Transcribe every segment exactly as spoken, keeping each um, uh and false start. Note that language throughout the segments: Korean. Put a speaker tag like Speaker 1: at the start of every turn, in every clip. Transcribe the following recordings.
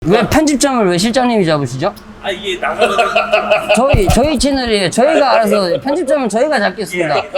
Speaker 1: 왜 편집장을 왜 실장님이 잡으시죠?
Speaker 2: 아 이게 나가는
Speaker 1: 저희 저희 채널이에요. 저희가 알아서 편집장은 저희가 잡겠습니다.
Speaker 2: 예.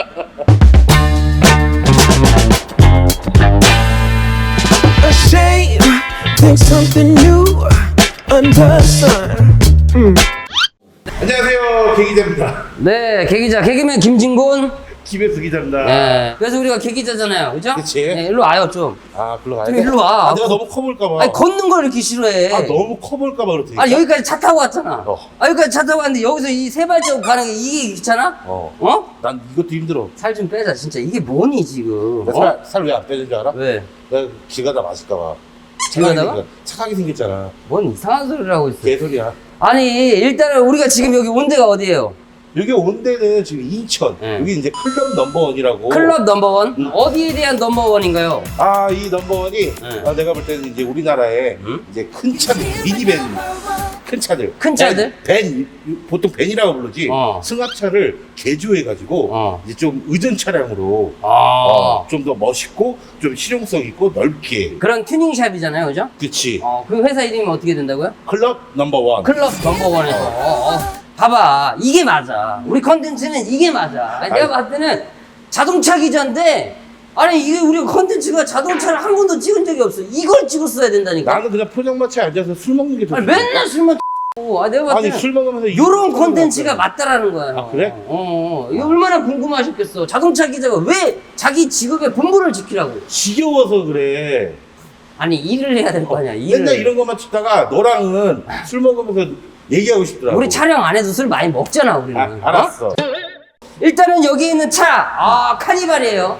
Speaker 3: Ashamed, think something new under the sun. Mm.
Speaker 4: 안녕하세요, 개기자입니다.
Speaker 1: 네, 개기자 개그맨 김진곤.
Speaker 4: 김혜수 기자입니다.
Speaker 1: 네. 그래서 우리가 개기자잖아요, 그죠?
Speaker 4: 그치.
Speaker 1: 네, 일로 와요 좀.
Speaker 4: 아, 글로 가야
Speaker 1: 좀
Speaker 4: 돼?
Speaker 1: 일로 와.
Speaker 4: 아, 내가 너무 커볼까봐.
Speaker 1: 아니 걷는 걸 이렇게 싫어해.
Speaker 4: 아, 너무 커볼까봐 그렇대.
Speaker 1: 아 여기까지 차 타고 왔잖아.
Speaker 4: 어.
Speaker 1: 아 여기까지 차 타고 왔는데 여기서 이 세 발자국 가는 게 이게 귀찮아?
Speaker 4: 어.
Speaker 1: 어?
Speaker 4: 난 이것도 힘들어.
Speaker 1: 살 좀 빼자 진짜. 이게 뭐니 지금? 어?
Speaker 4: 살, 살 왜 안 빼는 줄 알아?
Speaker 1: 왜?
Speaker 4: 내가 길 가다 마실까봐.
Speaker 1: 길 가다가?
Speaker 4: 착하게, 착하게 생겼잖아.
Speaker 1: 뭔 이상한 소리를 하고 있어.
Speaker 4: 개소리야.
Speaker 1: 아니 일단은 우리가 지금 여기 온 데가 어디예요?
Speaker 4: 여기 온 데는 지금 인천.
Speaker 1: 네.
Speaker 4: 여기 이제 클럽 넘버원이라고.
Speaker 1: 클럽 넘버원?
Speaker 4: 음.
Speaker 1: 어디에 대한 넘버원인가요?
Speaker 4: 아, 이 넘버원이
Speaker 1: 네.
Speaker 4: 아, 내가 볼 때는 이제 우리나라에
Speaker 1: 음?
Speaker 4: 이제 큰 차들, 미니밴, 큰 차들.
Speaker 1: 큰 차들?
Speaker 4: 밴, 밴, 보통 밴이라고 부르지.
Speaker 1: 어.
Speaker 4: 승합차를 개조해가지고
Speaker 1: 어.
Speaker 4: 이제 좀 의전 차량으로
Speaker 1: 아
Speaker 4: 어, 좀 더 멋있고 좀 실용성 있고 넓게.
Speaker 1: 그런 튜닝샵이잖아요, 그죠?
Speaker 4: 그치.
Speaker 1: 어, 그 회사 이름이 어떻게 된다고요?
Speaker 4: 클럽 넘버원.
Speaker 1: 클럽 넘버원에서. 어, 어. 봐봐, 이게 맞아. 우리 컨텐츠는 이게 맞아. 내가
Speaker 4: 아이.
Speaker 1: 봤을 때는 자동차 기자인데, 아니 이게 우리 컨텐츠가 자동차를 한 번도 찍은 적이 없어. 이걸 찍었어야 된다니까.
Speaker 4: 나는 그냥 포장마차에 앉아서 술 먹는 게 더.
Speaker 1: 아니, 맨날 술만 아, 내가 봤을
Speaker 4: 아니
Speaker 1: 때는
Speaker 4: 술 먹으면서 이-
Speaker 1: 요런 콘텐츠가 맞다라는 거야.
Speaker 4: 아, 그래?
Speaker 1: 어, 어. 이거 얼마나 궁금하셨겠어. 자동차 기자가 왜 자기 직업의 본분을 지키라고.
Speaker 4: 지겨워서 그래.
Speaker 1: 아니, 일을 해야 될 거 아니야, 일을.
Speaker 4: 맨날 이런 것만 찍다가 너랑은 술 먹으면서 얘기하고 싶더라고.
Speaker 1: 우리 촬영 안 해도 술 많이 먹잖아, 우리는.
Speaker 4: 아, 알았어.
Speaker 1: 어? 일단은 여기 있는 차, 아, 카니발이에요.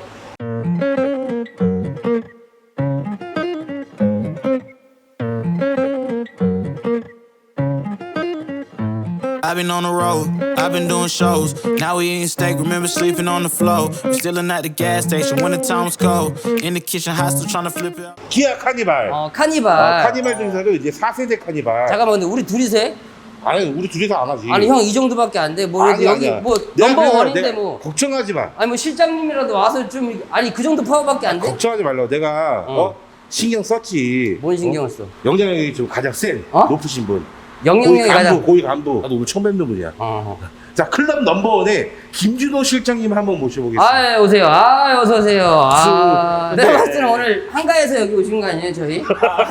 Speaker 5: I've been on the road, I've been doing shows. Now we eating steak, remember sleeping on the floor. We still at the gas station when the time was cold. In the kitchen, hot still trying to flip it out.
Speaker 4: 기아 카니발.
Speaker 1: 어,
Speaker 4: 어,
Speaker 1: 카니발.
Speaker 4: 카니발 중에서도 이제 사 세대 카니발.
Speaker 1: 잠깐만, 근데 우리 둘이서 해?
Speaker 4: 아니 우리 둘이서 안 하지.
Speaker 1: 아니, 형 이 정도밖에 안 돼. 뭐,
Speaker 4: 아니,
Speaker 1: 여기
Speaker 4: 아니야.
Speaker 1: 뭐,
Speaker 4: 내가
Speaker 1: 넘버
Speaker 4: 그냥
Speaker 1: 원인데
Speaker 4: 내가
Speaker 1: 뭐.
Speaker 4: 걱정하지 마.
Speaker 1: 아니, 뭐, 실장님이라도 와서 좀, 아니, 그 정도 파워밖에 안 돼?
Speaker 4: 걱정하지 말라고. 내가 어,
Speaker 1: 어.
Speaker 4: 신경 썼지.
Speaker 1: 뭔 신경을 써?
Speaker 4: 어? 영장력이 좀 가장 센
Speaker 1: 어?
Speaker 4: 높으신 분.
Speaker 1: 영영력이
Speaker 4: 고위 간부,
Speaker 1: 가장.
Speaker 4: 고위 간부. 나도 오늘 처음 뵙는 분이야.
Speaker 1: 어.
Speaker 4: 자, 클럽 넘버원에 김준호 실장님 한번 모셔보겠습니다.
Speaker 1: 아, 오세요. 아, 어서 오세요. 아,
Speaker 4: 수-
Speaker 1: 내가
Speaker 4: 네.
Speaker 1: 봤을 때는 오늘 한가해서 여기 오신 거 아니에요, 저희?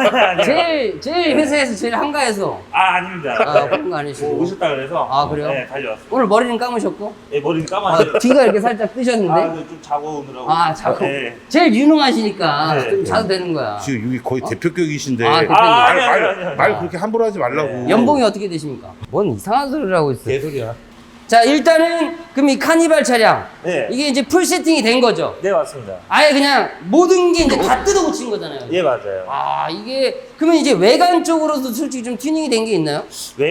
Speaker 1: 제일 제일 회사에서 제일 한가해서.
Speaker 2: 아 아닙니다.
Speaker 1: 아, 그런 거 아니시고.
Speaker 2: 뭐 오셨다 그래서
Speaker 1: 아, 그래요?
Speaker 2: 네 달려왔어요.
Speaker 1: 오늘 머리는 감으셨고,
Speaker 2: 네, 머리는
Speaker 1: 아,
Speaker 2: 까만데.
Speaker 1: 뒤가 이렇게 살짝 뜨셨는데.
Speaker 2: 아, 좀 자고 오느라고.
Speaker 1: 아, 자꾸.
Speaker 2: 네.
Speaker 1: 제일 유능하시니까
Speaker 2: 네.
Speaker 1: 좀 자도 되는 거야.
Speaker 4: 지금 여기 거의 대표격이신데
Speaker 1: 아,
Speaker 4: 말,
Speaker 1: 대표님.
Speaker 2: 아, 아니,
Speaker 4: 말,
Speaker 2: 아니, 아니, 아니.
Speaker 4: 말 그렇게 함부로 하지 말라고.
Speaker 1: 연봉이 어떻게 되십니까? 뭔 이상한 소리를 하고 있어요.
Speaker 4: 개소리야.
Speaker 1: 자, 일단은 그럼 이 카니발 차량.
Speaker 2: 네.
Speaker 1: 이게 이제 풀 세팅이 된 거죠.
Speaker 2: 네 맞습니다.
Speaker 1: 아예 그냥 모든 게 이제 다 뜯어 고친 거잖아요.
Speaker 2: 예 맞아요.
Speaker 1: 아, 이게 그러면 이제 외관 쪽으로도 솔직히 좀 튜닝이 된 게 있나요?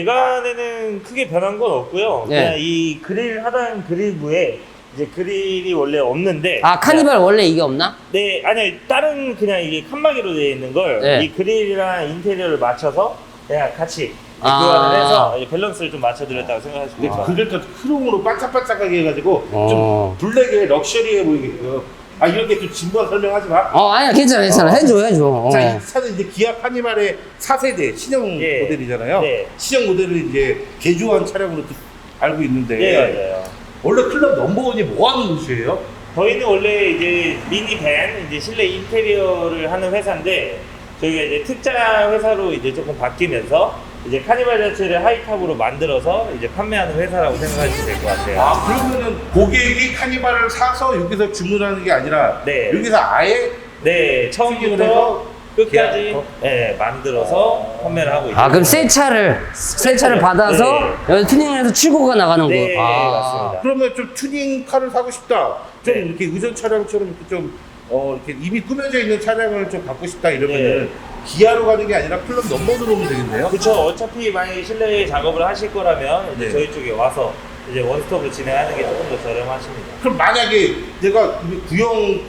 Speaker 2: 외관에는 크게 변한 건 없고요.
Speaker 1: 네.
Speaker 2: 그냥 이 그릴 하단 그릴부에 이제 그릴이 원래 없는데.
Speaker 1: 아, 카니발 원래 이게 없나?
Speaker 2: 네, 아니 다른 그냥 이게 칸막이로 되어 있는 걸 이
Speaker 1: 네.
Speaker 2: 그릴이랑 인테리어를 맞춰서 그냥 같이
Speaker 1: 아.
Speaker 2: 교환을 해서 이제 밸런스를 좀 맞춰드렸다고 생각하시면
Speaker 4: 근데
Speaker 2: 돼요.
Speaker 4: 그걸 또 크롬으로 반짝반짝하게 해가지고
Speaker 1: 어.
Speaker 4: 좀 블랙에 럭셔리해 보이게끔. 아 이렇게 좀 진부한 설명하지 마.
Speaker 1: 어, 아니야, 괜찮아, 괜찮아. 해줘, 해줘. 어.
Speaker 4: 자, 이 차는 이제 기아 카니발의 사 세대 신형
Speaker 2: 예.
Speaker 4: 모델이잖아요.
Speaker 2: 네.
Speaker 4: 신형 모델을 이제 개조한 차량으로 또 알고 있는데
Speaker 2: 네, 맞아요.
Speaker 4: 원래 클럽 넘버원이 뭐 하는 곳이에요?
Speaker 2: 저희는 원래 이제 미니밴, 이제 실내 인테리어를 하는 회사인데 저희가 이제 특자 회사로 이제 조금 바뀌면서 이제 카니발 자체를 하이탑으로 만들어서 이제 판매하는 회사라고 생각하시면 될 것 같아요.
Speaker 4: 아 그러면은 고객이 카니발을 사서 여기서 주문하는 게 아니라
Speaker 2: 네.
Speaker 4: 여기서 아예
Speaker 2: 네,
Speaker 4: 튜닝을
Speaker 2: 처음부터
Speaker 4: 해서
Speaker 2: 끝까지
Speaker 4: 계약부터?
Speaker 2: 네, 만들어서 판매를 하고 있습니다.
Speaker 1: 아, 그럼 새 차를, 새 차를 받아서
Speaker 2: 네.
Speaker 1: 여기 튜닝을 해서 출고가 나가는
Speaker 2: 네,
Speaker 1: 거. 아.
Speaker 2: 맞습니다.
Speaker 4: 그러면 좀 튜닝 카를 사고 싶다. 좀
Speaker 2: 네.
Speaker 4: 이렇게 의전 차량처럼 이렇게 좀 어, 이렇게 이미 꾸며져 있는 차량을 좀 갖고 싶다 이러면은
Speaker 2: 네.
Speaker 4: 기아로 가는 게 아니라 클럽 넘버로 오면 되겠네요.
Speaker 2: 그렇죠. 어차피 만약에 실내 작업을 하실 거라면 이제
Speaker 4: 네.
Speaker 2: 저희 쪽에 와서 이제 원스톱으로 진행하는 게 조금 더 저렴하십니다.
Speaker 4: 그럼 만약에 내가 이 구형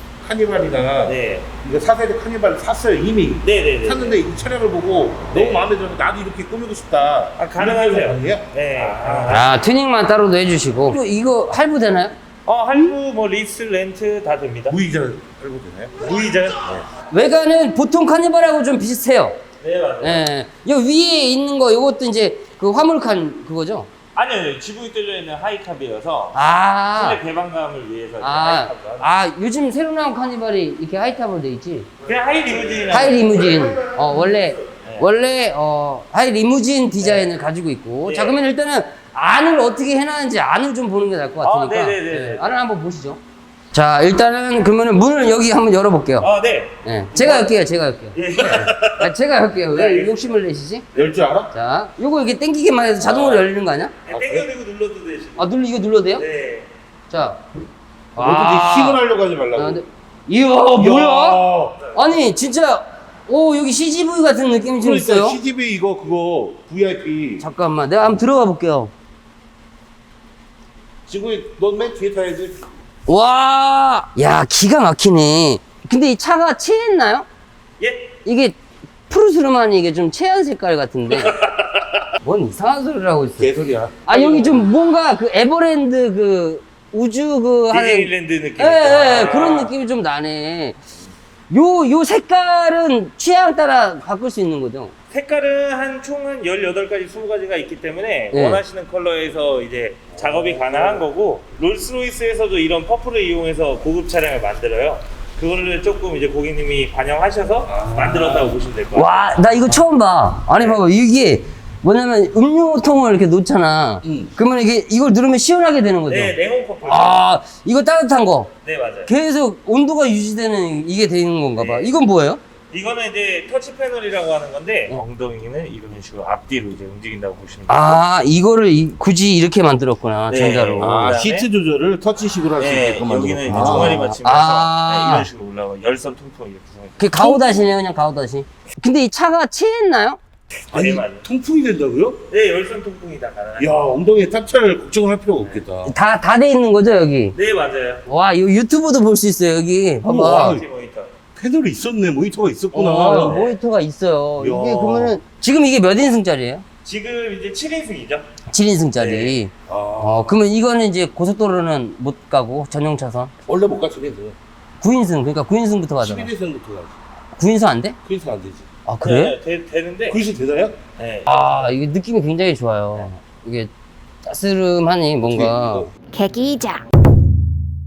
Speaker 4: 카니발이나
Speaker 2: 네.
Speaker 4: 이거 사 세대 카니발을 샀어요 이미.
Speaker 2: 네네네.
Speaker 4: 샀는데 이 차량을 보고
Speaker 2: 네.
Speaker 4: 너무 마음에 들어서 나도 이렇게 꾸미고 싶다.
Speaker 2: 아, 가능하세요.
Speaker 4: 가능해요?
Speaker 2: 네.
Speaker 4: 아.
Speaker 1: 아, 튜닝만 따로도 해주시고. 그리고 이거 할부 되나요?
Speaker 2: 어, 할부, 뭐, 리스, 렌트 다 됩니다.
Speaker 4: 무이자 할부 되나요?
Speaker 2: 무이자요?
Speaker 1: 외관은 보통 카니발하고 좀 비슷해요.
Speaker 2: 네, 맞아요.
Speaker 1: 예. 요 위에 있는 거 요것도 이제 그 화물칸 그거죠?
Speaker 2: 아니요, 지붕이 뚫려 있는 하이탑이어서
Speaker 1: 아.
Speaker 2: 실내 개방감을 위해서 이제
Speaker 1: 아,
Speaker 2: 하이탑을 하는.
Speaker 1: 아, 요즘 새로 나온 카니발이 이렇게 하이탑으로 돼 있지?
Speaker 2: 그냥 하이 리무진이라고.
Speaker 1: 하이 리무진. 어, 원래,
Speaker 2: 네.
Speaker 1: 원래, 어, 하이 리무진 디자인을 가지고 있고.
Speaker 2: 네.
Speaker 1: 자, 그러면 일단은 안을 어떻게 해놨는지 안을 좀 보는 게 나을 것
Speaker 2: 아,
Speaker 1: 같으니까.
Speaker 2: 네네네네.
Speaker 1: 네, 안을 한번 보시죠. 자, 일단은 그러면은 문을 여기 한번 열어볼게요.
Speaker 2: 아, 네.
Speaker 1: 네. 제가 열게요, 제가 열게요.
Speaker 2: 예.
Speaker 1: 아, 제가 열게요. 왜
Speaker 2: 네.
Speaker 1: 욕심을 내시지?
Speaker 4: 열 줄 알아?
Speaker 1: 자, 요거 이렇게 당기기만 해도 자동으로 열리는 거 아니야?
Speaker 2: 땡겨들고 눌러도 되시고.
Speaker 1: 아, 눌러, 이거 눌러도 돼요?
Speaker 2: 네.
Speaker 1: 자.
Speaker 4: 어떻게 힘을 하려고 하지 말라고.
Speaker 1: 아, 근데, 이야, 뭐야?
Speaker 4: 야.
Speaker 1: 아니, 진짜, 오, 여기 씨지브이 같은 느낌이 좀
Speaker 4: 그러니까
Speaker 1: 있어요.
Speaker 4: 씨지브이 이거 그거 브이아이피.
Speaker 1: 잠깐만, 내가 한번 들어가 볼게요.
Speaker 4: 지금 넌 맨 뒤에 타야지.
Speaker 1: 와, 야, 기가 막히네. 근데 이 차가 체했나요?
Speaker 2: 예.
Speaker 1: 이게 푸르스름하니 이게 좀 체한 색깔 같은데. 뭔 이상한 소리를 하고 있어.
Speaker 4: 개소리야.
Speaker 1: 아, 여기 좀 뭔가 그 에버랜드 그 우주 그 하는.
Speaker 2: 디즈니랜드 느낌.
Speaker 1: 예, 예, 예, 그런 느낌이 좀 나네. 요, 요 색깔은 취향 따라 바꿀 수 있는 거죠?
Speaker 2: 색깔은 한 총 한 열여덟 가지, 스무 가지가 있기 때문에
Speaker 1: 네.
Speaker 2: 원하시는 컬러에서 이제 작업이 가능한 거고, 롤스로이스에서도 이런 퍼플을 이용해서 고급 차량을 만들어요. 그거를 조금 이제 고객님이 반영하셔서 만들었다고 보시면 될 것 같아요.
Speaker 1: 와, 나 이거 처음 봐. 아니, 봐봐. 이게 뭐냐면 음료통을 이렇게 놓잖아.
Speaker 4: 응.
Speaker 1: 그러면 이게 이걸 누르면 시원하게 되는 거죠?
Speaker 2: 네, 냉온 퍼플.
Speaker 1: 아, 이거 따뜻한 거.
Speaker 2: 네, 맞아요.
Speaker 1: 계속 온도가 유지되는 이게 되는 건가 봐.
Speaker 2: 네.
Speaker 1: 이건 뭐예요?
Speaker 2: 이거는 이제 터치 패널이라고 하는 건데,
Speaker 1: 어.
Speaker 2: 엉덩이는 이런 식으로 앞뒤로 이제 움직인다고 보시면 돼요.
Speaker 1: 아, 이거를 이- 굳이 이렇게 만들었구나.
Speaker 2: 네.
Speaker 1: 전자로.
Speaker 4: 아,
Speaker 2: 그다음에-
Speaker 4: 시트 조절을 터치식으로 할 수
Speaker 2: 네,
Speaker 4: 있게끔
Speaker 2: 여기는 이제
Speaker 4: 만들었구나.
Speaker 2: 종아리 받침이라서
Speaker 1: 아.
Speaker 2: 네, 이런 식으로 올라가 열선 통풍 이렇게 해서.
Speaker 1: 그 가오다시네요, 그냥 가오다시. 근데 이 차가 체했나요?
Speaker 4: 아니,
Speaker 2: 네, 맞아요.
Speaker 4: 통풍이 된다고요?
Speaker 2: 네, 열선 통풍이 다 가능해요.
Speaker 4: 야, 엉덩이에 탑차를 걱정을 할 필요가 없겠다.
Speaker 1: 다, 다 돼 있는 거죠, 여기?
Speaker 2: 네, 맞아요.
Speaker 1: 와, 이거 유튜브도 볼 수 있어요, 여기. 봐봐.
Speaker 4: 우와.
Speaker 2: 터치 모니터.
Speaker 4: 패널이 있었네, 모니터가 있었구나.
Speaker 1: 어, 모니터가 있어요.
Speaker 4: 야.
Speaker 1: 이게 그러면은, 지금 이게 몇 인승짜리예요?
Speaker 2: 지금 이제 칠 인승이죠.
Speaker 1: 칠 인승짜리.
Speaker 2: 네.
Speaker 4: 아,
Speaker 1: 어, 그러면 이거는 이제 고속도로는 못 가고, 전용 차선.
Speaker 4: 원래 못 가시게 돼.
Speaker 1: 구 인승, 그러니까 구 인승부터 가잖아.
Speaker 4: 십일 인승부터 가지.
Speaker 1: 구 인승 안 돼?
Speaker 4: 그 인승 안 되지.
Speaker 1: 아, 그래?
Speaker 2: 네, 되, 되는데.
Speaker 4: 그 인승 되나요?
Speaker 2: 네.
Speaker 1: 아, 이게 느낌이 굉장히 좋아요. 이게 따스름하니 뭔가.
Speaker 4: 이거.
Speaker 6: 개기자